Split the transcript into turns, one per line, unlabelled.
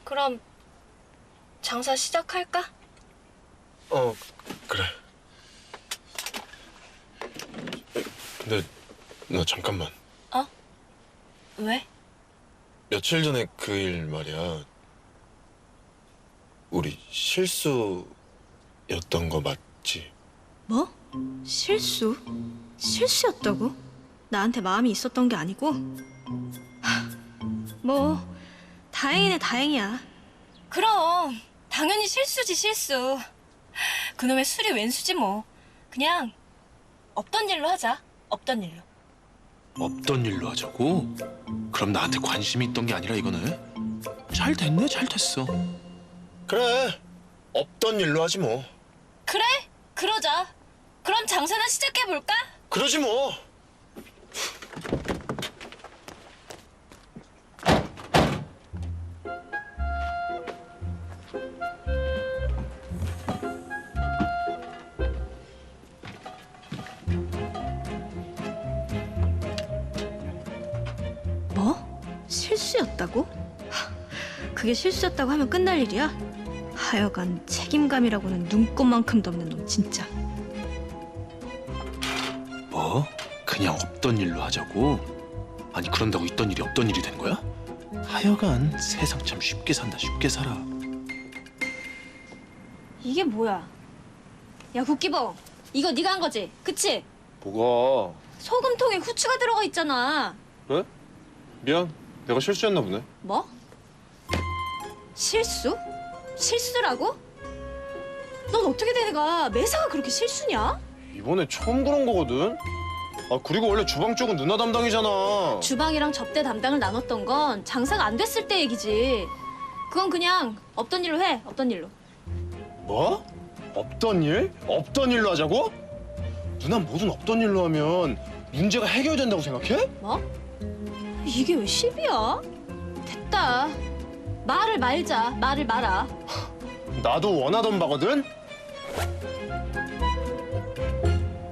그럼 장사 시작할까?
그래. 근데 너 잠깐만.
어? 왜?
며칠 전에 그 일 말이야. 우리 실수였던 거 맞지?
뭐? 실수? 실수였다고? 나한테 마음이 있었던 게 아니고? 뭐 다행이네 다행이야.
그럼 당연히 실수지 실수. 그놈의 술이 웬수지 뭐. 그냥 없던 일로 하자. 없던 일로.
없던 일로 하자고? 그럼 나한테 관심이 있던 게 아니라 이거네? 잘 됐네, 잘 됐어.
그래. 없던 일로 하지 뭐.
그래? 그러자. 그럼 장사나 시작해볼까?
그러지 뭐.
뭐? 실수였다고? 그게 실수였다고 하면 끝날 일이야? 하여간 책임감이라고는 눈꼽만큼도 없는 놈 진짜.
뭐? 그냥 없던 일로 하자고? 아니 그런다고 있던 일이 없던 일이 된 거야? 하여간 세상 참 쉽게 산다, 쉽게 살아.
이게 뭐야? 야 국기봉, 이거 네가 한 거지? 그치?
뭐가?
소금통에 후추가 들어가 있잖아.
왜? 미안. 내가 실수했나 보네.
뭐? 실수? 실수라고? 넌 어떻게 되내가 매사가 그렇게 실수냐?
이번에 처음 그런 거거든. 그리고 원래 주방 쪽은 누나 담당이잖아.
주방이랑 접대 담당을 나눴던 건 장사가 안 됐을 때 얘기지. 그건 그냥 없던 일로 해, 없던 일로.
뭐? 없던 일? 없던 일로 하자고? 누나 뭐든 없던 일로 하면 문제가 해결된다고 생각해?
뭐? 이게 왜 시비야? 됐다. 말을 말자, 말을 말아.
나도 원하던 바거든?